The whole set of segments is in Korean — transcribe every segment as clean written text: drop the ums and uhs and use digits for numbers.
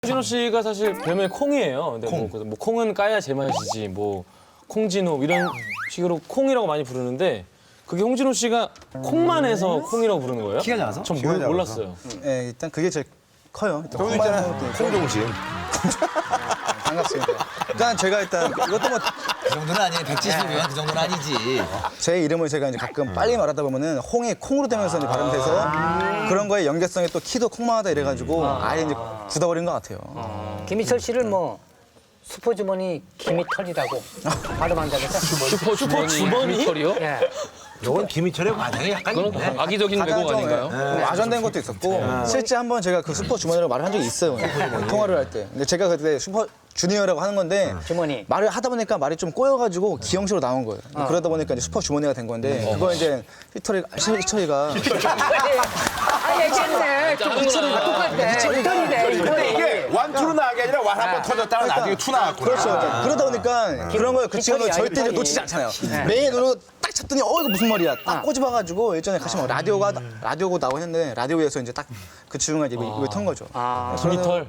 홍진호 씨가 사실 별명이 콩이에요. 근데 뭐 콩은 까야 제맛이지 뭐 콩진호 이런 식으로 콩이라고 많이 부르는데 그게 홍진호 씨가 콩만 해서 콩이라고 부르는 거예요? 키가 작아서? 전 키가 작아서. 몰랐어요. 네, 일단 그게 제일 커요. 일단 저도 있잖아요. 콩종신. 반갑습니다. 일단 제가 일단 이것도 뭐 그 정도는 아니에요. 170이면 그 정도는 아니지. 제 이름을 제가 이제 가끔 빨리 말하다 보면은 홍이 콩으로 되면서 이제 발음돼서 그런 거에 연계성이 또 키도 콩만하다 이래가지고 아예 이제 굳어버린 것 같아요. 김희철 씨를 뭐 슈퍼주머니 김희털이라고 발음한다고 해서 슈퍼 주머니? 털이요? 예. 이건 김희철의 과장이 약간 그건 있네. 악의적인 가장 왜곡 좀 아닌가요? 와전된 것도 있었고 실제 한번 제가 그 슈퍼 주머니라고 말을 한 적이 있어요. 통화를 할 때. 근데 제가 그때 슈퍼 주니어라고 하는 건데 주머니. 말을 하다 보니까 말이 좀 꼬여가지고 기형식으로 나온 거예요. 그러다 보니까 이제 슈퍼 주머니가 된 건데 그거 이제 희철이가 아 얘기했네. 똑같대. 희털이네. 근데 이게 완투로 나간 게 아니라 완 한 번 터졌다가 나중에 투 나왔구나. 그렇죠. 그러다 보니까 그런 걸 그 친구는 희철이야, 절대 이제 희철이. 놓치지 않잖아요. 매일 눈으로 딱 쳤더니 이거 무슨 말이야. 딱 꼬집어가지고 예전에 같이 막 라디오고 나오고 했는데 라디오에서 이제 딱 그 친구가 이제 입을 턴 거죠. 김희털.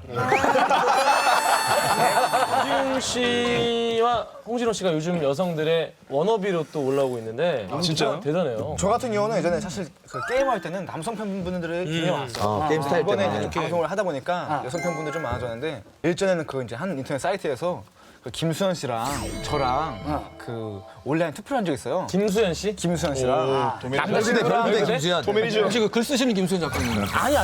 홍진호 씨와 홍진호 씨가 요즘 여성들의 워너비로 또 올라오고 있는데 진짜요? 대단해요. 저 같은 경우는 예전에 사실 그 게임할 때는 남성 팬분들이 굉장히 많았어요. 게임 스타일 이번에 때문에. 이제 방송을 하다 보니까 여성 팬분들 좀 많아졌는데 일전에는 그 이제 한 인터넷 사이트에서 그 김수현 씨랑 저랑 그 온라인 투표를 한 적 있어요. 김수현 씨? 김수현 씨랑 남자친구랑 별부대 김수현. 혹시 그 글 쓰시는 김수현 작가님? 아니.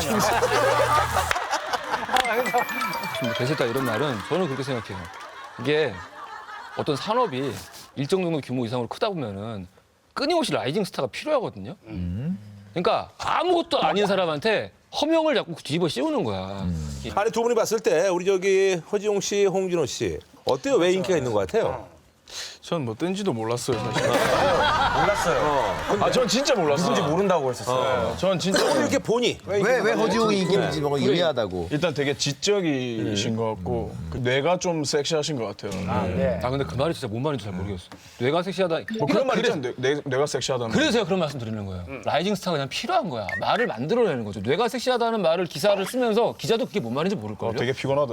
되셨다 이런 말은 저는 그렇게 생각해요. 이게 어떤 산업이 일정 정도 규모 이상으로 크다 보면은 끊임없이 라이징 스타가 필요하거든요. 그러니까 아무것도 아닌 사람한테 허명을 자꾸 뒤집어 씌우는 거야. 아니 두 분이 봤을 때 우리 저기 허지용 씨, 홍진호 씨 어때요? 왜 인기가 있는 것 같아요? 전 뭐 뜬지도 몰랐어요, 사실. 몰랐어요. 아, 전 진짜 몰랐어요. 누군지 모른다고 했었어요. 전 진짜 오늘 이렇게 보니 왜 허지웅이 인기인지 뭔가 유리하다고. 일단 되게 지적이신 것 같고 그 뇌가 좀 섹시하신 것 같아요. 네. 아 근데 그 말이 진짜 뭔 말인지 잘 모르겠어. 뇌가 섹시하다. 뭐 그런 말 그래서- 있잖아요. 내가 섹시하다는. 그래서 제가 그런 말씀 드리는 거예요. 라이징 스타가 그냥 필요한 거야. 말을 만들어내는 거죠. 뇌가 섹시하다는 말을 기사를 쓰면서 기자도 그게 뭔 말인지 모를걸요. 되게 피곤하다.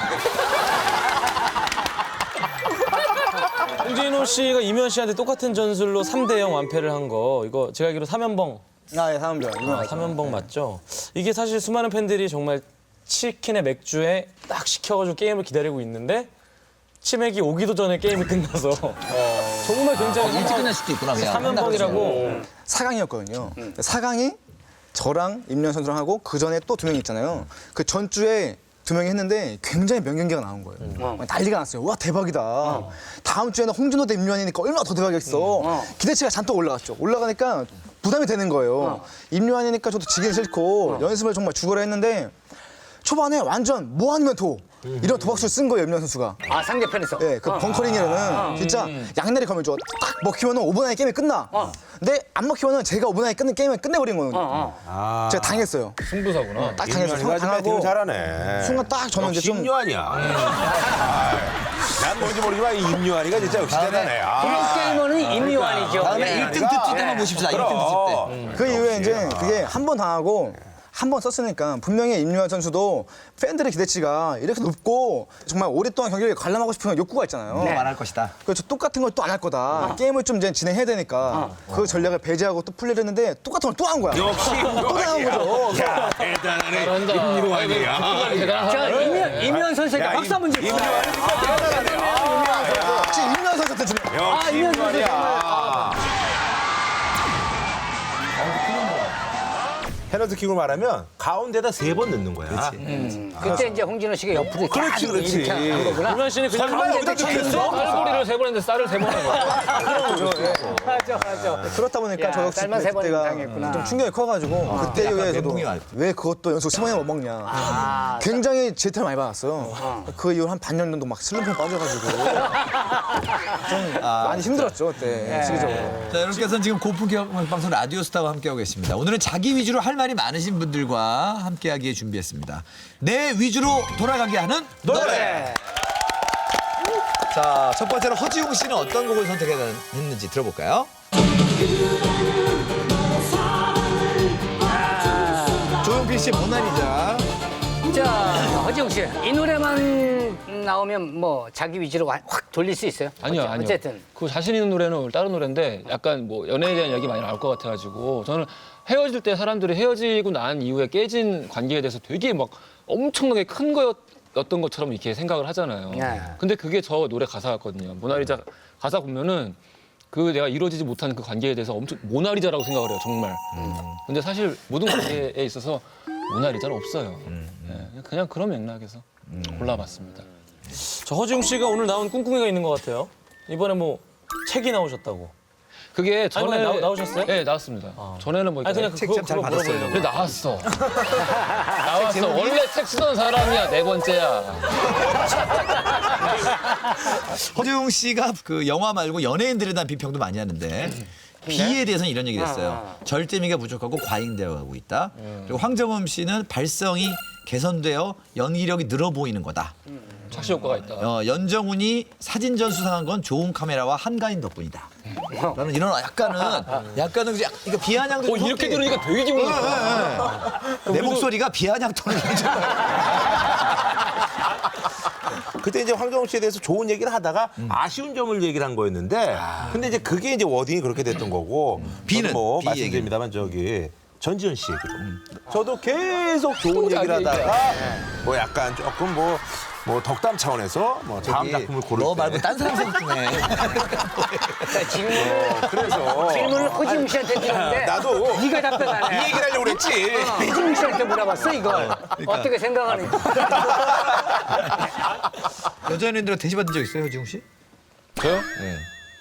홍진호 씨가 이면 씨한테 똑같은 전술로 3대0 완패를 한 거 이거 제가 알기로 3연봉 아, 예, 사람들. 삼연봉 맞죠? 이게 사실 수많은 팬들이 정말 치킨에 맥주에 딱 시켜가지고 게임을 기다리고 있는데 치맥이 오기도 전에 게임이 끝나서 정말 굉장히 일찍 끝날 수도 있구나. 그냥. 3연봉이라고 4강이었거든요. 4강이 저랑 임현 선수랑 하고 그 전에 또 2명 있잖아요. 그 전주에 2명이 했는데 굉장히 명경기가 나온 거예요. 난리가 났어요. 와 대박이다. 다음 주에는 홍진호 대 임요한이니까 얼마나 더 대박이겠어. 기대치가 잔뜩 올라갔죠. 올라가니까 부담이 되는 거예요. 임요한이니까 저도 지긴 싫고 연습을 정말 죽어라 했는데 초반에 완전 뭐 아니면 도 이런 도박수를 쓴 거예요, 임요한 선수가. 아 상대편에서. 네, 그 벙커링이라는 진짜 양날이 검을 줘. 딱 먹히면은 5분 안에 게임이 끝나. 근데 안 먹히면은 제가 5분 안에 끝낸 게임을 끝내버린 거예요. 제가 당했어요. 승부사구나. 딱 당해서 임요한이가 좀 배팅을 당하고 잘하네. 순간 딱 저는 이제 역시 좀 임요한이야. 난 뭔지 모르지만 이 임요한이가 진짜 역시 대단해. 게이머는 임요한이죠. 다음에 예. 1등 특집 때만 모십시다. 1등 특집 때. 그 이후에 이제 그게 한 번 당하고 한 번 썼으니까 분명히 임요한 선수도 팬들의 기대치가 이렇게 높고 정말 오랫동안 경기를 관람하고 싶은 욕구가 있잖아요. 말할 것이다. 그래서 똑같은 걸 또 안 할 거다. 게임을 좀 이제 진행해야 되니까 그 전략을 배제하고 또 플레이를 했는데 똑같은 걸 또 한 거야. 역시 또 당한 거죠. 야, 대단하네. 임요한이야. 자 임요한 선수에게 박수 한번 주세요. 혹시 임요한 선수한테 주는 역시 임요한이야. 페널티 킥을 말하면 가운데다 3번 넣는 거야. 그때 이제 홍진호 씨가 옆으로 이렇게 그렇지, 그렇지. 이렇게 한 거구나. 임현 씨는 그냥 설마 여기다 넣겠어? 쌀고리를 3번 했는데 쌀을 3번 한 거야. 맞아. 그렇다 보니까 야, 저 역시 쌀만 세 번은 그때가 당했구나. 좀 충격이 커가지고 그때 이후에 저도 멘붕이 왔지. 왜 그것도 연속 10번이나 못 먹냐. 굉장히 제태를 많이 받았어요. 그 이후 한 반년 정도 막 슬럼프에 빠져가지고 좀 많이 힘들었죠 그때 시기적으로. 자, 여러분께서는 지금 고품격 방송 라디오스타와 함께하고 계십니다. 오늘은 자기 위주로 할 말이 많으신 분들과 함께하기에 준비했습니다. 내 위주로 돌아가게 하는 노래. 자, 첫 번째로 허지웅 씨는 어떤 곡을 선택했는지 들어볼까요? 조용필 씨의 모나리자. 자, 허지웅 씨, 이 노래만 나오면 뭐 자기 위주로 확 돌릴 수 있어요? 아니요, 아니요. 어쨌든. 그 자신 있는 노래는 다른 노래인데 약간 뭐 연애에 대한 이야기 많이 나올 것 같아가지고 저는 헤어질 때 사람들이 헤어지고 난 이후에 깨진 관계에 대해서 되게 막 엄청나게 큰 거였던 것처럼 이렇게 생각을 하잖아요. 네. 근데 그게 저 노래 가사였거든요. 모나리자 가사 보면은 그 내가 이루어지지 못하는 그 관계에 대해서 엄청 모나리자라고 생각을 해요, 정말. 근데 사실 모든 관계에 있어서 모나리자는 없어요. 네, 그냥 그런 맥락에서 골라봤습니다. 저 허지웅 씨가 오늘 나온 꿍꿍이가 있는 것 같아요. 이번에 뭐 책이 나오셨다고. 그게 전에 아니, 나오셨어요? 네, 나왔습니다. 전에는 뭐 아니 그냥 책 잘 받았어요. 물어보려고. 그래 나왔어. 나왔어. 원래 책 쓰던 사람이야. 네 번째야. 허지웅 씨가 그 영화 말고 연예인들에 대한 비평도 많이 하는데 비에 대해서는 이런 얘기를 했어요. 절제미가 부족하고 과잉되어 가고 있다. 그리고 황정음 씨는 발성이 개선되어 연기력이 늘어 보이는 거다. 착시 효과가 있다. 연정훈이 사진전 수상한 건 좋은 카메라와 한가인 덕분이다. 라는 이런 약간은 이거 비아냥도 이렇게 들으니까 되게 기분 좋다. 내 목소리가 비아냥 톤을 그때 이제 황정우 씨에 대해서 좋은 얘기를 하다가 아쉬운 점을 얘기를 한 거였는데 근데 이제 그게 이제 워딩이 그렇게 됐던 거고 비는? 저도 뭐 비 말씀드립니다만 저기 전지현 씨 얘기도 저도 계속 좋은 얘기를 하다가 뭐 약간 조금 뭐 덕담 차원에서 뭐 다음 작품을 고를 너 때 말고 딴 사람 생각해. 질문을 허지웅 씨한테 드렸는데 나도 네가 답변하네. 이 얘기를 하려고 그랬지. 허지웅 씨한테 물어봤어 이걸. 어떻게 생각하는지. 여자 연예인들한테 대시받은 적 있어요, 허지웅 씨? 저요? 네.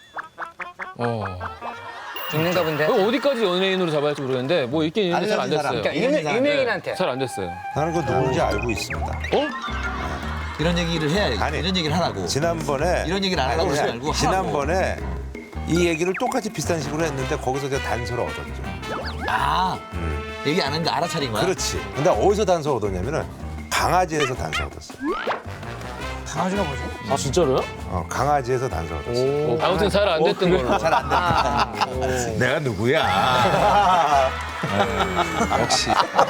죽는가 본데. 어디까지 연예인으로 잡아야 할지 모르겠는데 뭐 있긴 있는데 잘 안 알려진 사람. 됐어요. 그러니까 유명인한테. 잘 안 됐어요. 나는 그 누군지 알고 있습니다. 이런 얘기를 해야 아니, 이런 얘기를 하라고. 지난번에 이런 얘기를 안 하라고 그러지 말고 하라고. 지난번에 이 얘기를 똑같이 비슷한 식으로 했는데 거기서 제가 단서를 얻었죠. 얘기 안 했는데 알아차린 거야? 그렇지. 근데 어디서 단서 얻었냐면은 강아지에서 단서 얻었어. 강아지가 뭐지? 아 진짜로요? 강아지에서 단서 얻었어. 아무튼 잘 안 됐던 걸로. 잘 안 됐다. 내가 누구야? 역시.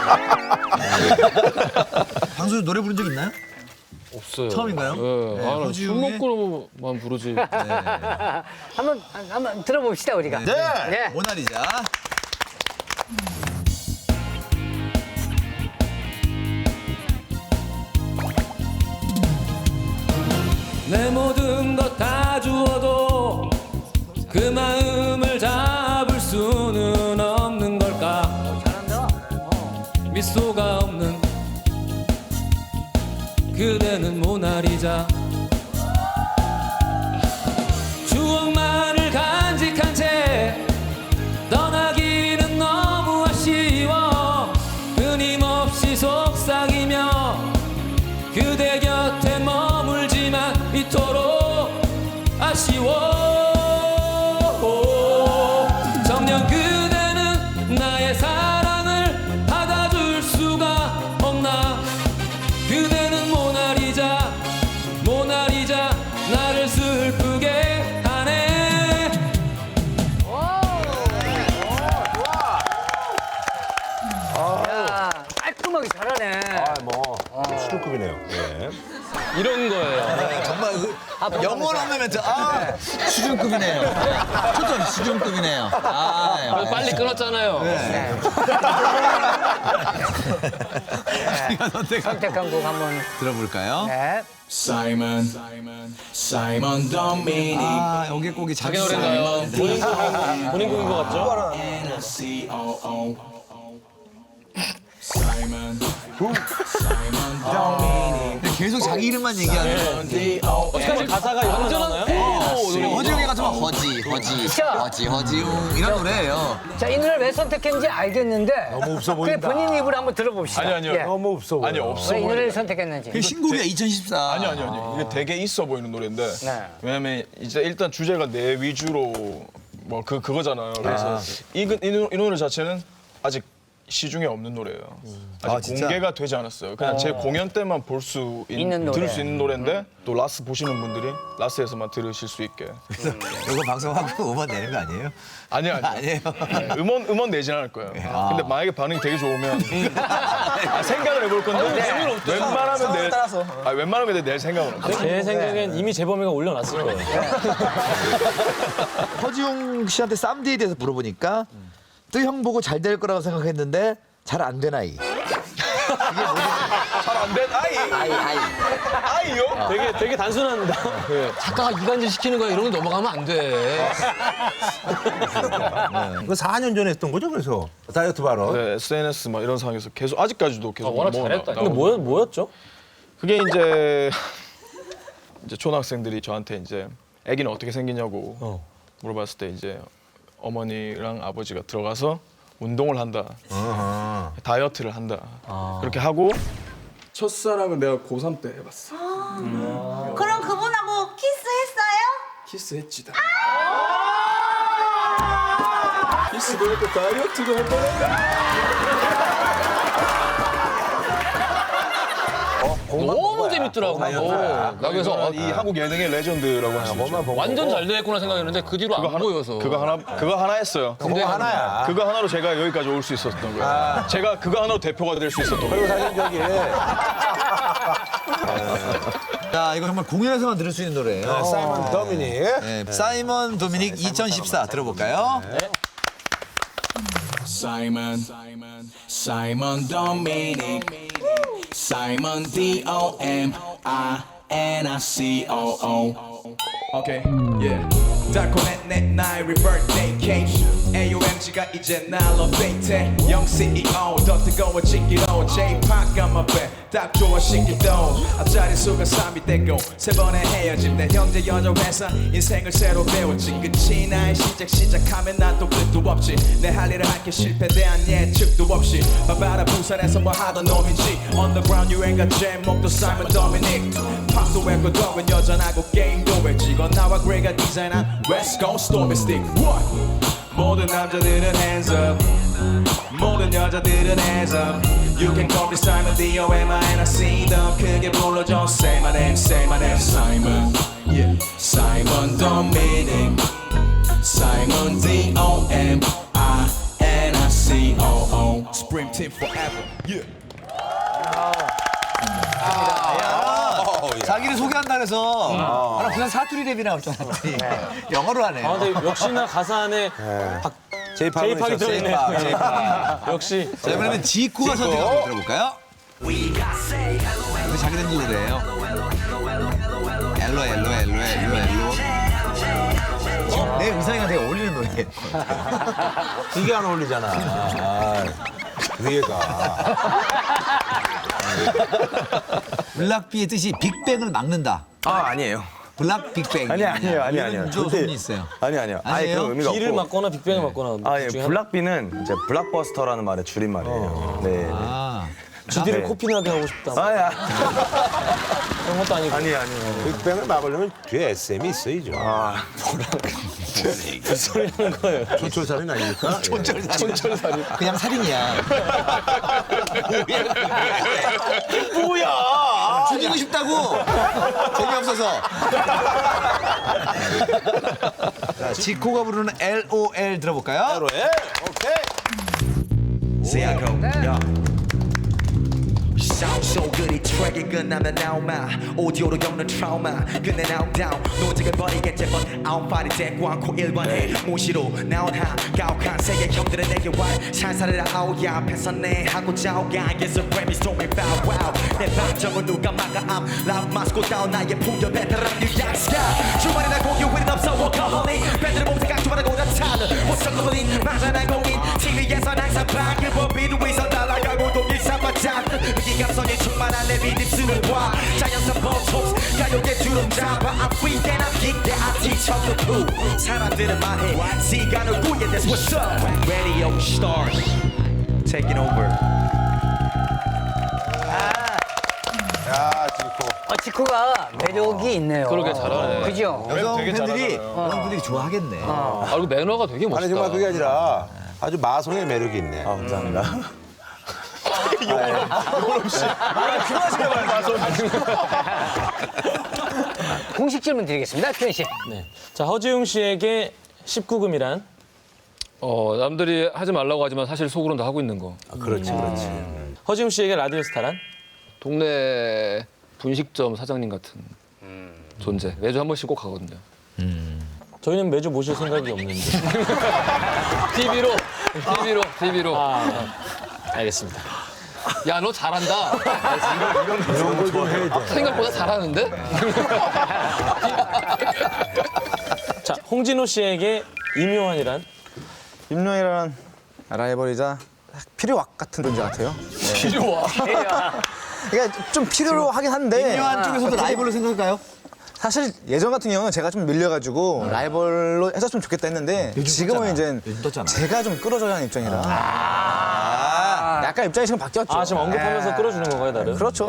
방송에 노래 부른 적 있나요? 없어요. 처음인가요? 네. 네, 아, 술 허지웅의- 먹고만 부르지. 한번 들어봅시다 우리가. 네. 모나리자. 내 모든 것 다 주어도 그 마음을 잡을 수는 없는 걸까. 잘한다. 미소가 없는 그대는 모나리자. 추억만을 간직한 채 떠나기는 너무 아쉬워. 끊임없이 속삭이며 그대 곁에 머물지만 이토록 아쉬워. 정녕 그대는 나의 사랑을 받아줄 수가 없나. 그대는 모나리자 모나리자 나를 슬프게 하네. 야, 깔끔하게 잘하네. 수준급이네요. 네. 이런 거예요. 정말 영혼 없는 멘트. 수준급이네요. 초점 수준급이네요. 그래서 빨리 끊었잖아요. 선택한 곡 한번. 들어볼까요? 네. Simon Dominic 여기 곡이 자기 자기 노래인가요? 본인 곡인 것 같죠? COO Simon Dominic 계속 자기 이름만 얘기하는. 사실 가사가 이런 거 나오나요? 허지웅이 같으면 허지웅 이런 노래예요. 자, 이 노래를 왜 선택했는지 알겠는데. 너무 없어 보인다. 본인 입으로 한번 들어봅시다. 아니요. 예. 너무 없어 보여. 아니 없어 왜 이 보여. 노래를 선택했는지. 그 신곡이야 2014. 아니요. 이게 되게 있어 보이는 노래인데 네. 왜냐면 이제 일단 주제가 내 위주로 뭐 그거잖아요. 그래서 이 노래 자체는 아직 시중에 없는 노래예요. 아, 아직 진짜? 공개가 되지 않았어요. 그냥 제 공연 때만 볼 수 있는 노래. 들을 수 있는 노래인데 또 라스 보시는 분들이 라스에서만 들으실 수 있게. 이거 방송하고 음원 내는 거 아니에요? 아니요. 아니에요. 음원 내진 않을 거예요. 근데 만약에 반응이 되게 좋으면 생각을 해볼 건데 웬만하면 낼 생각은 없어요. 제 생각엔 이미 재범이가 올려놨을 거예요. 허지웅 씨한테 쌈디에 대해서 물어보니까 또 형 보고 잘 될 거라고 생각했는데 잘 안 된 아이. 잘안 된 아이요? 되게 단순합니다. 작가가 이간질 시키는 거야 이런 거 넘어가면 안 돼. 그 4년 전에 했던 거죠, 그래서 다이어트 발언. 네, SNS 막 이런 상황에서 계속 아직까지도 계속 워낙 뭐 잘했다. 근데 뭐였죠? 그게 이제 초등학생들이 저한테 이제 아기는 어떻게 생기냐고 물어봤을 때 이제 어머니랑 아버지가 들어가서 운동을 한다, 다이어트를 한다 그렇게 하고 첫사랑을 내가 고3 때 해봤어. 그럼 그분하고 키스했어요? 키스했지 다. 키스도 했고 다이어트도 할 너무 재밌더라고. 나 그래서 이 한국 예능의 레전드라고 할 수 있죠. 완전 잘 됐구나 생각했는데 그 뒤로 안 보여서. 그거 하나 했어요. 그거 하나야. 그거 하나로 제가 여기까지 올 수 있었던 거예요. 제가 그거 하나로 대표가 될 수 있었던 거예요. 그리고 사실 저기 자, 이거 정말 공연에서만 들을 수 있는 노래예요. 사이먼 더미닉. 네, 사이먼 도미닉 2014 들어볼까요? Simon Dominic, Simon D-O-M-I-N-I-C-O-O. Okay, yeah. 달콤한 내 나의 birthday cake. AOMG가 이제 날로 데이트해. 영 CEO 더 뜨거워지기로 J-POP got 딱 좋아 시기도 앞자리 수가 3이 되고 세 번의 헤어짐 내 형제 연여 회사 인생을 새로 배웠지 끝이 나의 시작하면 난 또 끝도 없지 내 할 일을 할게 실패에 대한 예측도 없이 바바라 부산에서 뭐 하던 놈인지 Underground 유행가 제목도 Simon Dominic 팝도 외고동은 여전하고 게임도 왜 찍어 나와 그레이가 디자인한 West Coast Stormy Stick What? 모든 남자들은 hands up 모든 여자들은 hands up You can call me Simon D-O-M-I-N-I-C 더 크게 불러줘 Say my name, say my name Simon, yeah Simon Dominic Simon D-O-M-I-N-I-C-O-O Spring Team forever, yeah 자기를 소개한다 그래서 하나 부산 사투리 랩이 나올 줄 알았더니 영어로 하네요. 아, 근데 역시나 가사 안에 제이팍이 들어있네요. 역시. 자, 이번에는 지코가 선택한 곡 들어볼까요? 이거 자기들 노래예요. 엘로. 내 의상이랑 되게 어울리는 노래예요. 이게 안 어울리잖아. 위에가. 블락비의 뜻이 빅뱅을 막는다. 아니에요. 블락 빅뱅. 아니에요. 좀 소문이 있어요. 아니요. 아예 아니에요? 그런 의미가 비를 없고. 맞거나 빅뱅을 맞거나. 예, 둘 중에 블락비는 이제 블락버스터라는 말의 줄임말이에요. 네. 아, GD를 네. 코피나게 하고 싶다. 아야. 그런 것도 아니고. 아니에요. 빅뱅을 막으려면 뒤에 SM이 있어야죠. 무슨 소리 하는 거예요? 촌철살인 아닙니까? 촌철살이. 그냥 살인이야. 뭐야? 죽이고 싶다고. 재미없어서. 자, 지코가 부르는 LOL 들어볼까요? LOL? 오케이. See I go, yeah. Sound so good 이 트랙이 끝나면 나오마 오디오로 겪는 트라우마 끝내 now down 노직을 버리겠지 but I'm fighting 대꾸 않고 일관해 무시로 나온 한가혹한 세계 형들은 내게 와 살살해라 아우야 앞에서 내 하고자 오가 Yes a Grammy stormy bow wow 내 방정을 누가 막아 I'm loud 마스코 다운 나의 풍겨 베테랑 뉴약스가 주말이나 공휴일은 없어 워커홀릭 밴드를 몸새 강조하고 나타는 호석거리 맞아난 공인 TV에선 항상 방금 위에서 날아가고 또 일상마찬 감성이 충만한 내 비딥스를 봐 자연스러운 보톡스 가요계 주름 잡아 I'm free and I'm geek that I teach how to do 사람들은 말해 Z가 누구야 that's what's up Radio stars taking over 야, 지코. 지코가 매력이 있네요. 그러게 잘하네. 그죠? 여성 되게 팬들이 잘하잖아요. 여성분들이 좋아하겠네. 그리고 매너가 되게 멋있다. 아니 정말 그게 아니라 아주 마성의 매력이 있네. 감사합니다. 공식 질문 드리겠습니다. 표현 씨. 네. 자, 허지웅 씨에게 19금이란? 남들이 하지 말라고 하지만 사실 속으로는 다 하고 있는 거. 그렇지, 그렇지. 허지웅 씨에게 라디오스타란? 동네 분식점 사장님 같은 존재. 매주 한 번씩 꼭 가거든요. 저희는 매주 모실 생각이 없는데. TV로. 알겠습니다. 야, 너 잘한다. 이런 걸 좀 해야 돼. 생각보다 잘하는데? 자, 홍진호 씨에게 임요환이란? 임요환이란 라이벌이자 필요악 같은 존재 같아요. 필요와. 그러니까 좀 필요로 하긴 한데 임요한 쪽에서도 라이벌로 생각할까요? 사실 예전 같은 경우는 제가 좀 밀려가지고 라이벌로 했었으면 좋겠다 했는데 지금은 이제 떴잖아. 제가 좀 끌어줘야 하는 입장이라 약간 입장이 지금 바뀌었죠. 아, 지금 언급하면서 끌어주는 건가요, 나를? 그렇죠.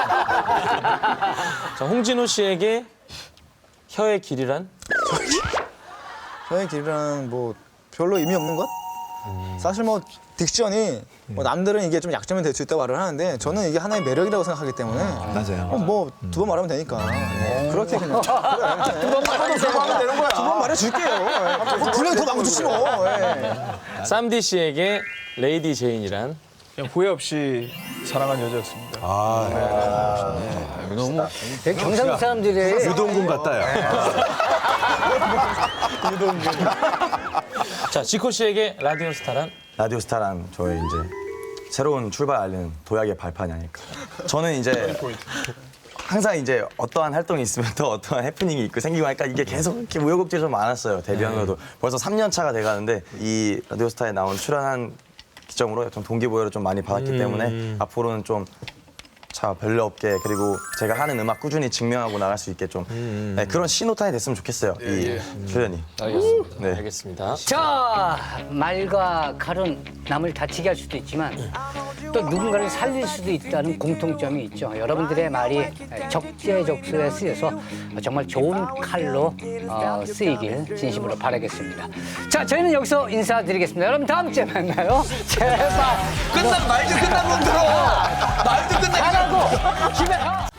자, 홍진호 씨에게 혀의 길이란? 저의 길이란 뭐 별로 의미 없는 것? 사실 뭐 딕션이 뭐 남들은 이게 좀 약점이 될 수 있다고 말을 하는데 저는 이게 하나의 매력이라고 생각하기 때문에 맞아요. 뭐 두 번 말하면 되니까 그렇게 그냥 두 번 말하면 되는 거야. 두 번 말해줄게요. 분명 더 망주지 뭐. 쌈디 씨에게 레이디 제인이란? 그냥 후회 없이 사랑한 여자였습니다. 너무 되게 경상도 사람들이 유동군 같다, 야. 자, 지코 씨에게 라디오스타란? 라디오스타란 저의 이제 새로운 출발 알리는 도약의 발판이 아닐까. 저는 이제 항상 이제 어떠한 활동이 있으면 또 어떠한 해프닝이 있고 생기고 하니까 이게 계속 이렇게 우여곡절이 좀 많았어요. 데뷔하면서도 벌써 3년 차가 돼가는데 이 라디오스타에 나온 출연한 기점으로 좀 동기부여를 좀 많이 받았기 때문에 앞으로는 좀 별로 없게 그리고 제가 하는 음악 꾸준히 증명하고 나갈 수 있게 좀 네, 그런 신호탄이 됐으면 좋겠어요. 이 출연이. 알겠습니다. 네. 알겠습니다. 자, 말과 칼은 남을 다치게 할 수도 있지만 또 누군가를 살릴 수도 있다는 공통점이 있죠. 여러분들의 말이 적재적소에 쓰여서 정말 좋은 칼로 쓰이길 진심으로 바라겠습니다. 자, 저희는 여기서 인사드리겠습니다. 여러분 다음 주에 만나요. 제발. 말도 끝난 놈들어. 말도 끝난 잘하고 집에 가.